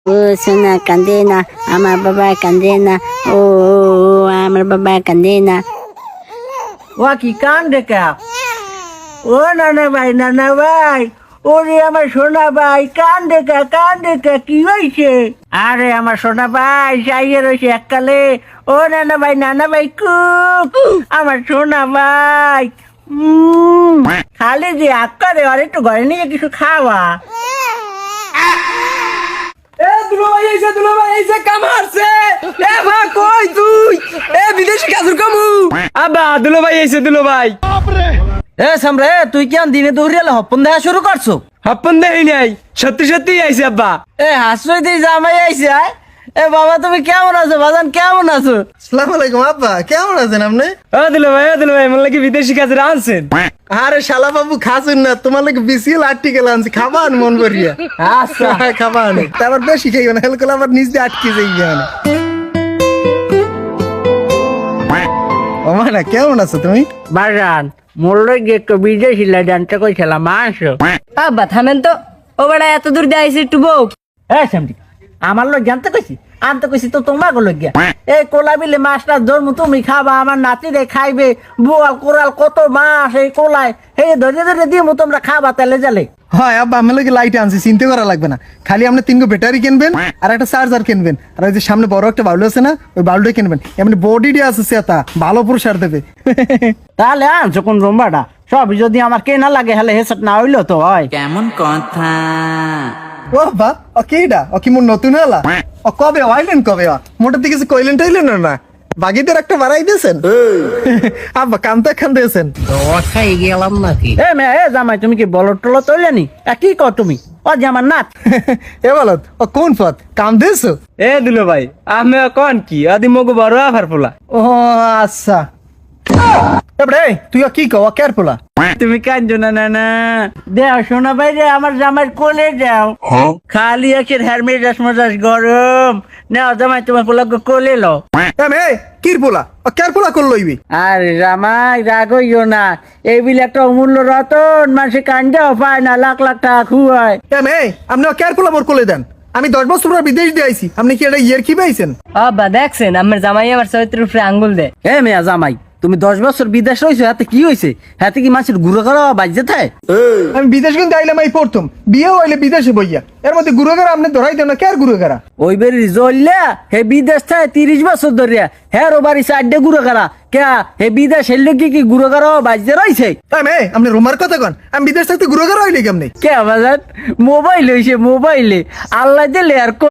ও সোনা কান্দে না, আমার বাবা কান্দে না, ও আমার বাবা কান্দে না। ও কি কান্দে কে? ও নানা ভাই, ওরে আমার সোনা ভাই কান্দে কে কি হয়েছে? আরে আমার সোনা ভাই চাইয়ে রয়েছে এককালে। ও নানা ভাই কুক আমার সোনা ভাই। খালি যে আক্কারে আর একটু ঘরে নিয়ে কিছু খাওয়া। দুলাভাই এসে কামারছে। এ মা কই তুই? এ বিদেশি কাজুর কামু। আব্বা দুলাভাই এসে দুলাভাই। এ সামরে তুই কি দিনে দৌড়িয়ালে হপ্পন দেখা শুরু করছো? হাপ্পন দেই নাই, সত্যি সত্যি আইছে আব্বা। এ হাসরই দিয়ে জামাই আইছে। এ বাবা তুমি কেমন আছো? বাজান কেমন আছো? আসসালামু আলাইকুম আব্বা, কেমন আছেন আপনি? ও দুলাভাই মনে লাগে বিদেশি কাজের আনছেন। আরে শালা বাবু খাসুন না, তোমার লাগে বিসিএল আর্টিকেল আনছি, খাবান মন করিয়া। আচ্ছা খাবান তারপর বেশি খাইও না, হেলকল আবার নিজ দিয়ে আটকে যাই জানে। ও মানা কেমন আছো তুমি? বাজান মোল্লে গিয়ে একটু বিদেশি জানতে কইছিলাম আসো। আব্বা থামেন তো, ও বেড়া এত দূর দিয়ে আইছে একটু বউ। হ্যাঁ সামরি আমার লোক জানতে কইছি, আনতে কইছি তো তোমার লোক গিয়া। এই কোলা বিলে মাছটা ধর্ম তুমি খাবা, আমার নাতিরে খাইবে। বোয়াল কোরাল কত মাছ এই কোলায়, হে ধরে ধরে দিয়ে তোমরা খাবা তেলে জালে। হয় আব্বা, আমি লাগে লাইট আনছি, চিন্তা করা লাগবে না। খালি আপনি 3 ব্যাটারি কিনবেন আর একটা চার্জার কিনবেন, আর ওই যে সামনে বড় একটা বাউল আছে না, ওই বাউলটা কিনবেন। এমনি বডি আছে সেটা ভালো পুরস্কার দেবে। তাহলে আনছো কোন রুম্বাটা? সব যদি আমার কে না লাগে হলে হেসট না হইলো তো হয়। কেমন কথা? ও বা ও কেডা? ও কি মোর নতুন হলা? ও কবে আইলেন? কবে মোটার দিকে কইলেন টাইলেন না? বাগিদের একটা বাড়াই দিয়েছেন আব্বা, কামতা খান দিয়েছেন। খাই গেলাম নাকি? এ মে এ জামাই তুমি কি বলট টলত হইলে নি? কি কর তুমি? ও যে আমার নাত। এ বলত ও কোন পথ কাম দিয়েছো? এ দুলাভাই আমি কোন কি আদি মগু বড় আফার পোলা। ও আচ্ছা, এবারে তুই কি কও কেয়ার পোলা? তুমি কাঁদছো না না দেও শোনা ভাই রে, আমার জামাই কোলে যাও। খালি আছে হেরমেজাস মজাস গরম। নাও জামাই তোমার পোলা কোলে লো। এ কির পোলা? ও কেয়ার পোলা কর লইবি? আরে জামাই রাগ হইও না, এই বিলে একটা অমূল্য রতন, মানুষে কান্দাও পায় না, লাখ লাখ টাকা খুয়ায়। আপনি কেয়ার পোলা মোর কোলে দেন। আমি 10 বছর পর বিদেশ দিয়ে আইছি, আপনি কি এটা ইয়ের কি পাইছেন? আব্বা দেখছেন আমার জামাই আমার চরিত্রের উপরে আঙ্গুল দেয়। এ মেয়া জামাই তুমি 10 বছর বিদেশ রয়েছো, হাতে কি হয়েছে? হাতে কি মানুষের গুঁড়ো করা বাজে থাকে? আমি বিদেশ কিন্তু আইলাম এই প্রথম, বিয়েও হইলে বিদেশে বইয়া, এর মধ্যে গুরুগারা আপনি ধরাই দেন না, কেয়ার গুরুগারা? ওই বেরি জ্বললা হে বিদেশ থাকে 30 বছর ধরিয়া, হ্যাঁ ও বাড়ি চারটে গুঁড়ো করা কে হে বিদেশ হেললে কি গুঁড়ো করা বাজে রয়েছে? আপনি রোমার কথা কন, আমি বিদেশ থাকতে গুরুগারা হইলে কেমনে? কে বাজার মোবাইল হয়েছে, মোবাইলে আল্লাহ দিলে আর